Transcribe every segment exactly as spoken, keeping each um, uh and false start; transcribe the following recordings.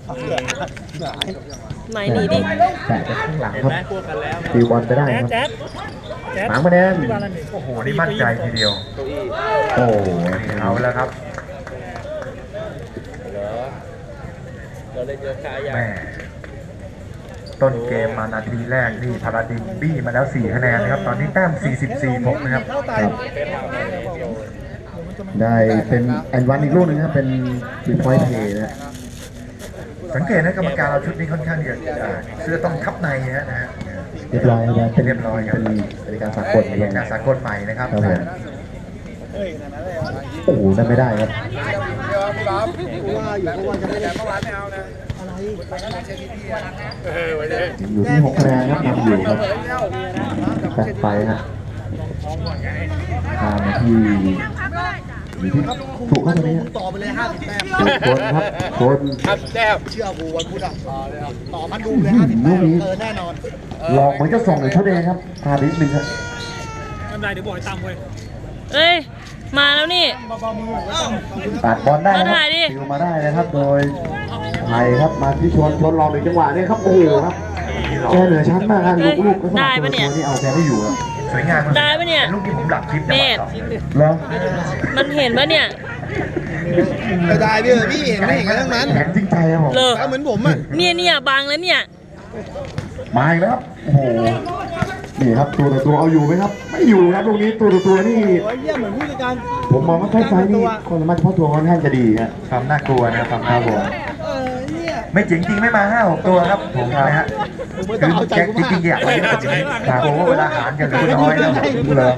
ไม่หนีดิแต่จากข้างหลังครับตีบอลไปได้ครับหางมาแนนโอ้โหนี่มั่นใจทีเดียวโอ้เอาแล้วครับแม่ต้นเกมมานาทีแรกนี่พาราดินบี้มาแล้วสี่คะแนนนะครับตอนนี้แต้มสี่สิบสี่ผลนะครับได้เป็นแอนวันอีกลูกนึงครับเป็นบีพอยต์เพย์นะสังเกตนะกรรมการเราชุดนี้ค่อนข้างจะเสื้อต้องทับในนะฮะเรียบร้อยครับเป็นเรียบร้อยครับเป็นการสากลเป็นการสากลใหม่นะครับโอ้โหนั่นไม่ได้ครับอยู่ที่หกคะแนนครับนำอยู่ครับแปดไปฮะตามมาที่อยู่ที่ถูกเข้าตรงนี้ต่อไปเลยห้าสิบแต้มคนครับคนแต้มเชื่อกูวันพุธอ่ะต่อมาดูเลยห้าสิบแต้มเออแน่นอนลองเหมือนจะส่งเลยเท่าเดิมครับพาดิสนึงครับไม่เป็นไรเดี๋ยวบอกให้ตามเว้ยเอ้ยมาแล้วนี่ตัดบอลได้ครับติวมาได้นะครับโดยไทยครับมาที่ชนชนรอหนึ่งจังหวะนี่ครับโอ้โหครับแกเหนือชั้นมากครับลูกๆก็สำหรับตัวนี้เอาแกไม่อยู่ครับสวยงามได้ปะเนี่ยลูกที่ผมหลับคลิปเน็ตแล้วมันเห็นปะเนี่ยได้พี่พี่เห็นไม่เห็นกันทั้งนั้นเห็นจริงใจครับผมเหมือนผมอ่ะเนี่ยเนี่ยบางแล้วเนี่ยมาอีกแล้วครับโอ้โหนี่ครับตัวต่อตัวเอาอยู่ไหมครับไม่อยู่ครับตรงนี้ตัวต่อตัวนี่เยี่ยมเหมือนผู้จัดการผมมองว่าไฟไฟนี่คนมาเฉพาะตัวค่อนข้างจะดีครับความน่ากลัวนะความน่ากลัวไม่จริงจริงไม่มาห้าหกตัวครับผมนะฮะคือแจ็คจริงๆอยากไปเยอะจริงๆผมว่าเวลาหารกันเหลือน้อยนะเลย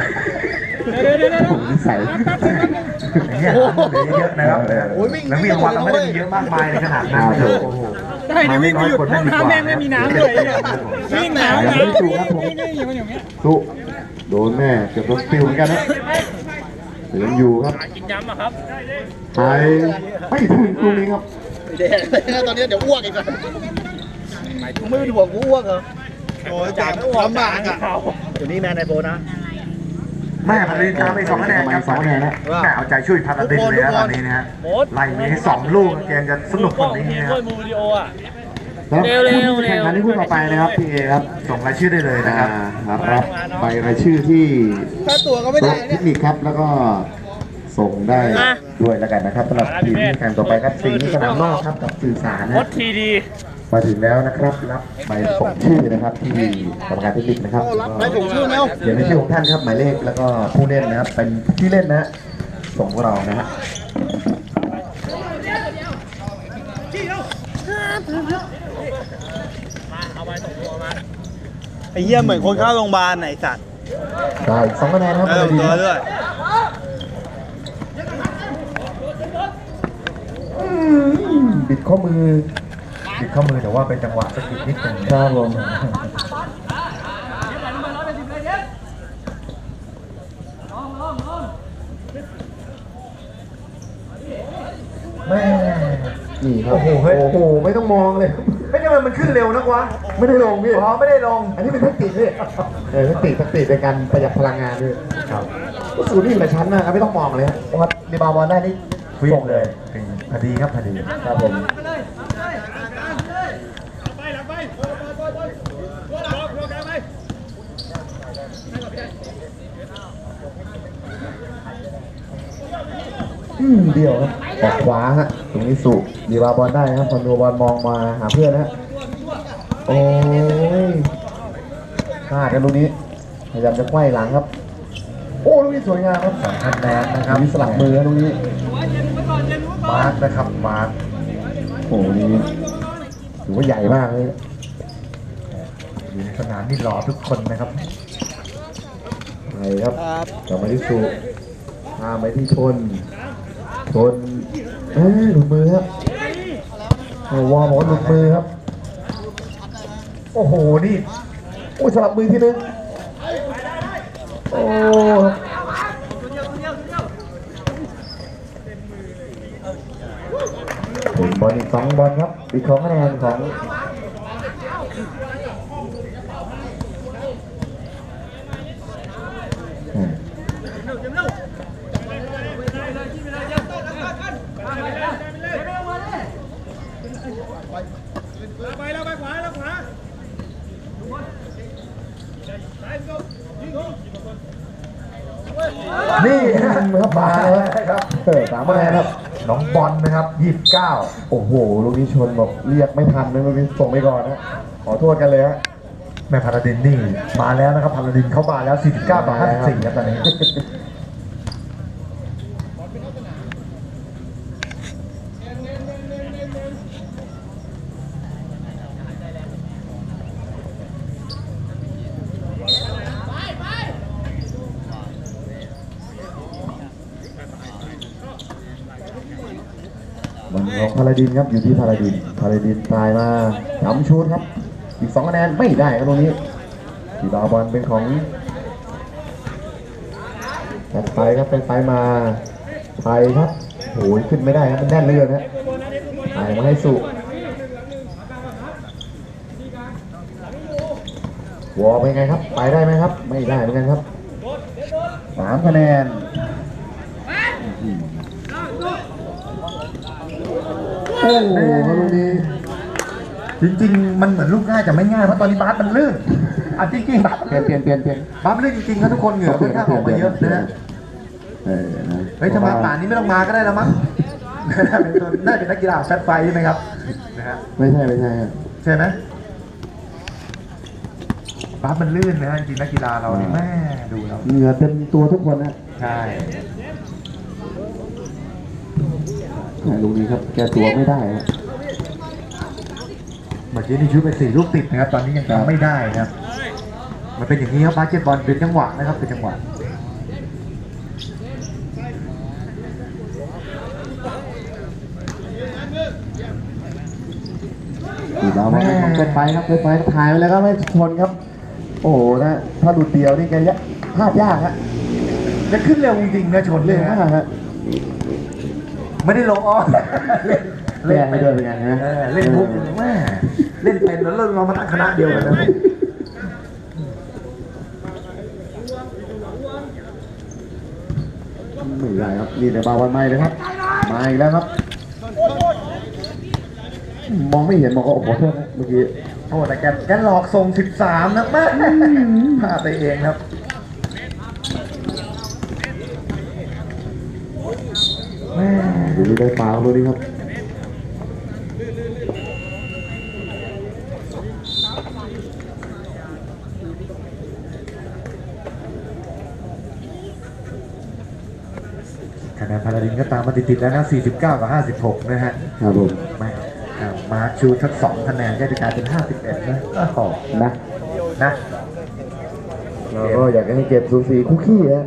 ผมนิสัยอย่างเงี้ยเหลือเยอะนะครับแล้ววิ่งวันเราไม่ได้มีเยอะมากมายในขนาดนั้นเลยโอ้โหได้ดิวิ่งหยุดห้องน้ำแม่งไม่มีน้ำเลยวิ่งหนาวยังไม่ถูกครับผมถูกโดนแม่เกือบโดนปิวเหมือนกันนะยังอยู่ครับกินยำอะครับไปไม่ถึงตรงนี้ครับเด็กตอนนี้เดี๋ยวอ้วกอีกแล้วไม่เป็นห่วงกูอ้วกเหรอโอ้ยจากลำบากอ่ะอยู่นี่แม่ในโบนะแม่พาราดินตามไปสองคะแนนครับสองคะแนนนะแม่เอาใจช่วยพาราดินเลยนะตอนนี้นะฮะไล่ไปสองลูกเกมจะสนุกกว่านี้นะครับเร็วเร็วเร็วแข่งขันที่พูดต่อไปนะครับพี่เอครับส่งรายชื่อได้เลยนะครับรับไปรายชื่อที่ค่าตัวก็ไม่ได้เทคนิคครับแล้วก็ส่งได้ด้วยแล้วกันนะครับสำหรับทีมแข่งต่อไปครับสีสนามนอกครับกับสื่อสารนะมาถึงแล้วนะครับรับใบส่งชื่อนะครับที่กรรมการเทคนิคนะครับใบส่งชื่อแล้วเขียนในชื่อของท่านครับหมายเลขแล้วก็ผู้เล่นนะครับเป็นที่เล่นนะส่งพวกเรานะฮะไอ้เหี้ยเหมือนคนเข้าโรงพยาบาลไหนสัตว์ได้สองคะแนนครับเออตัวด้วยบิดข้อมือบิดข้อมือแต่ว่าเป็นจังหวะสกิดนิดนึงครับผมแม่นี่ครับโอ้โหโอ้โหไม่ต้องมองเลยไม่ใช่มันมันขึ้นเร็วนักวะไม่ได้ลงพี่อ๋อไม่ได้ลงอันนี้เป็นเทคนิคพี่เออเทคนิคเทคนิคในการประหยัดพลังงานด้วยครับสูตรนี่หลายชั้นนะครับไม่ต้องมองเลยเพราะว่ารีบาวบอลได้นี่วิ่งเลยพอดีครับพอดีครับผมอืมเดียวครับออกขวาฮะตรงนี้สุดีบาบอลได้ครับคอนโดบอลมองมาหาเพื่อนนะโอ้ยพลาดกันตรงนี้พยายามจะไขว้หลังครับโอ้ตรงนี้สวยงามครับสองคะแนนนะครับมีสลับมือตรงนี้มาร์กนะครับมาร์กโอ้นี่ถือว่าใหญ่มากเลยอยู่ในสนามนี่หล่อทุกคนนะครับใช่ครับกลับมาที่สุพาไปที่ชนชนเอ้ยหลุดมือครับวอร์มหลุดมือครับโอ้โหนี่โอ้สลับมือทีนึงโอ้บอลอีกสองบอลครับอีกสองคะแนนของไปแล้วไปขวาแล้วขวานี่ครับมาแล้วครับเออสามคะแนนครับน้องบอลนะครับยี่สิบเก้าโอ้โหลูกนี้ชนบอกเรียกไม่ทันนะลูกนี้ส่งไปก่อนนะขอโทษกันเลยฮะแม่พาราดินนี่มาแล้วนะครับพาราดินเข้ามาแล้วสี่สิบเก้าต่อห้าสิบสี่ครับตอนนี้บอลของพาราดินครับอยู่ที่พาราดินพาราดินตายมาจำชูดครับอีกสองคะแนนไม่ได้ครับตรงนี้ทีบาบอลเป็นของตัดไปครับไปไปมาไทยครับโอ้ยขึ้นไม่ได้ครับมันแน่นเหลยนะไทยมาให้สุวอลเป็นไงครับไปได้ไหมครับไม่ได้เหมือนกันครับสามคะแนนโอ้โหลูกนี้จริงๆมันเหมือนลูกง่ายแต่ไม่ง่ายเพราะตอนนี้บาสมันลื่นอ่ะจริงๆบาสเปลี่ยนเปลี่ยนเปลี่ยนเปลี่ยนบาสมันลื่นจริงๆครับทุกคนเหงื่อค่อนข้างออกมาเยอะนะฮะเออนะเฮ้ยถ้ามาป่านนี้ไม่ต้องมาก็ได้แล้วมั้ง น่าจะเป็นนักกีฬาแฟตไฟใช่ไหมครับนะฮะไม่ใช่ไม่ใช่ครับใช่ไหมบาสมันลื่นนะฮะจริงๆนักกีฬาเราเนี่ยแม่ดูแล้วเหงื่อเต็มตัวทุกคนนะใช่ลูกนี้ครับแกตัวไม่ได้ครับเมื่อกี้นี่ชุดไปสี่ลูกติดนะครับตอนนี้ยังทำไม่ได้นะครับ มันเป็นอย่างนี้ครับบาสเกตบอลเป็นจังหวะนะครับเป็นจังหวะตีบาบอลเป็นของเกินไปครับเกินไปถ่ายไปแล้วก็ไม่ชนครับ โอ้โหนะถ้าดูเดียวนี่แกยะพลาดยากฮะจะขึ้นเร็วจริงๆนะชนเร็เลวยนะมากฮะไม่ได้ลงอ้อนเล่นเล่นไม่ด้วยเป็นไงฮะเออเล่นมุกแม่เล่นเป็นแล้วเรามาตั้งคณะเดียวกันนะไม่ได้ครับนี่แต่บาวันไม่เลยครับมาอีกแล้วครับ มองไม่เห็นมองก็โอ้โหโทษนะเมื่อกี้โอ้แต่แกแกหลอกส่งสิบสามนะแม่พลาดไปเองครับแม่ดูนี่ได้ฟาวล์ดูนี่ครับคะแนนพาราดินก็ตามมาติดๆแล้วนะสี่สิบเก้ากับห้าสิบหกนะฮะครับผมแม่ครับมาร์คชูทักสองคะแนนก็จะกลายเป็นห้าสิบเอ็ดนะโอ้โหนะนะเราก็อยากให้เก็บสูสีคุกกี้ฮะ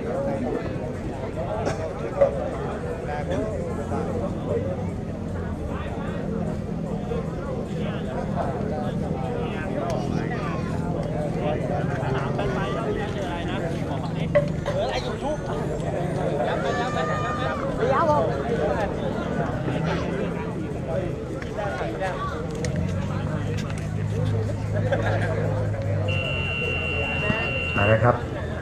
มาแล้วครับ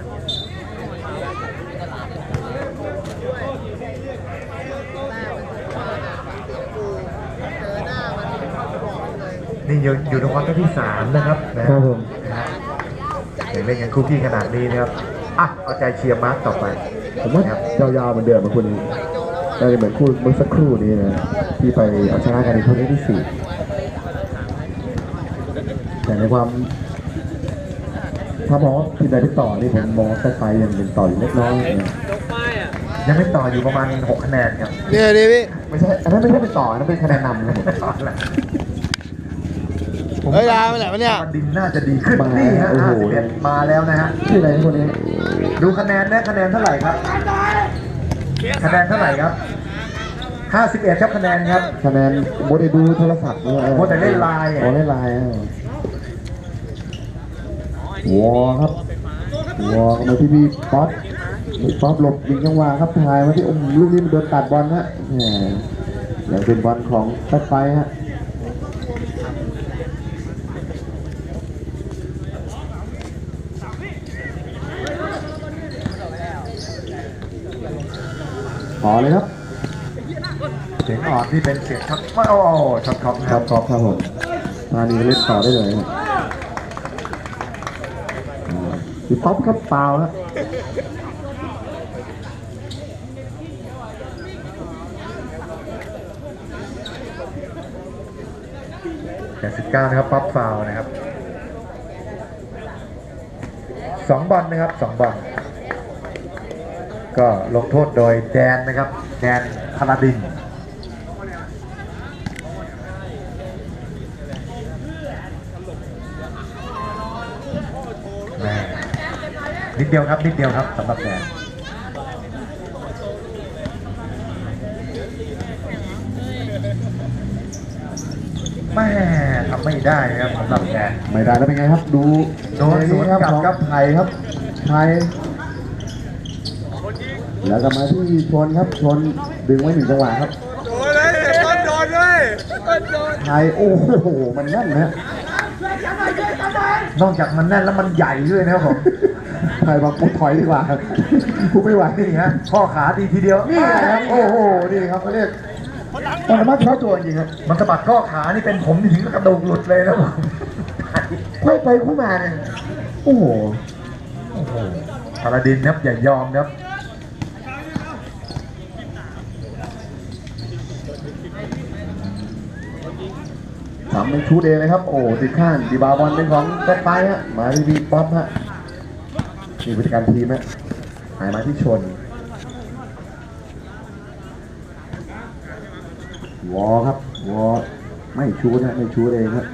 นี่อยู่อยู่ในควอเตอร์ที่สามนะครับนะครับผมนะฮะเห็นเล่นกันคู่ขี้ขนาดนี้นะครับอ่ะเอาใจเชียร์มาร์คต่อไปผมว่ายาวๆเหมือนเดิมมาคุณน่าจะเหมือนคู่เมื่อสักครู่นี้นะที่ไปเอาชนะกันในครั้งที่สี่แต่ในความถ้ามองว่าทีมใดที่ต่อนี่ผมมองว่าไฟยังเป็นต่ออยู่เล็กน้อยนะยังไม่ต่ออยู่ประมาณหกคะแนนครับเนี่ยดิพี่ไม่ใช่อันนั้นไม่ใช่เป็นต่ออันนั้นเป็นคะแนนนำครับผมเฮ้ยดาวไปไหนวะเนี่ยดินน่าจะดีขึ้นมานี่ฮะโอ้โหห้าสิบเอ็ดมาแล้วนะฮะชื่ออะไรคนนี้ดูคะแนนได้คะแนนเท่าไหร่ครับ คะแนนเท่าไหร่ครับห้าสิบเอ็ดครับคะแนนครับคะแนนโมเดลดูโทรศัพท์เนี่ยโมเดลเล่นไลน์อะอ๋อเล่นไลน์อ่ะวอครับวอมาที่พี่ป๊อปพี่ป๊อปหลบยิงจังหวะครับถ่ายมาที่อมลูกนี้มันโดนตัดบอลฮะแหมยังเป็นบอลของตัดไปฮะขอเลยครับเสียงอ่อนที่เป็นเสียงช็อตว่าโอ้ช็อตคอมคครัรับบ ครับครับผมมานี่เล่นต่อได้เลยครับพี่ป๊อปครับเปล่าครับแปดสิบเก้านะครับป๊อปฟาวล์นะครับสองบอลนะครับสองบอลก็ลงโทษโดยแดนนะครับแดนพาลาดินแม่นิดเดียวครับนิดเดียวครับสำหรับแดนแม่ทำไม่ได้ครับสำหรับแดนไม่ได้แล้วเป็นไงครับ ดูโดนสวนครับกลับของครับไทยครับไทยแล้วก็มาที่ชนครับชนดึงไว้หนึ่งจังหวะครับโดนเลยต้นโดนเลยไทยโอ้โหมันแน่นนะนอกจากมันแน่นแล้วมันใหญ่ด้วยนะครับผมไทยบอกกูถอยดีกว่ากูไม่ไหวนี่ฮะข้อขาดีทีเดียวนี่ครับโอ้โหนี่ครับเขาเรียกมันสามารถเข้าตัวจริงครับมันสะบัดข้อขานี่เป็นผมนี่ถึงกระดูกหลุดเลยนะผมค่อยไปค่อยมาเนี่ยโอ้โหโอ้โหพาราดินครับอย่ายอมครับสามเป็นชูดเองเลยครับโอ้ติดข้างดีบาบอลเป็นของก็ไปฮะมาที่บีป๊อปฮะนี่ผู้จัดการทีมฮะหายมาที่ชนวอครับวอไม่ชูดนะไม่ชูดเองครับ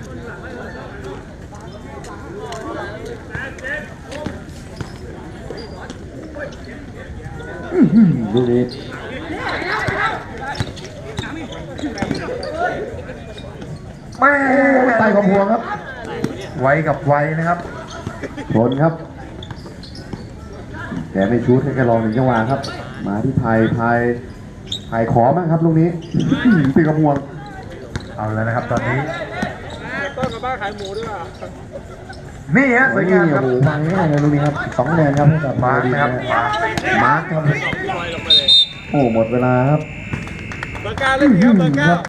ลูกนี้แม่ใต้ของพวงครับไวกับไวนะครับชนครับแต่ไม่ชูดให้แกลองหนึ่งจังหวะครับ มาที่ไทยไทยไทยขอมั้งครับลูกนี้ ตีกระพวงเอาแล้วนะครับตอนนี้ต้นกับบ้านขายหมูด้วยอ่ะนี่ฮะสวยนี่งามคโอ้รับโหวางง่ายเลยลูกนี้ครับสองคะแนนครับให้กับมาร์คนะครับมาร์คครับโอ้หมดเวลาครับเบอร์เก้าเล่นดีครับเบอร์เก้า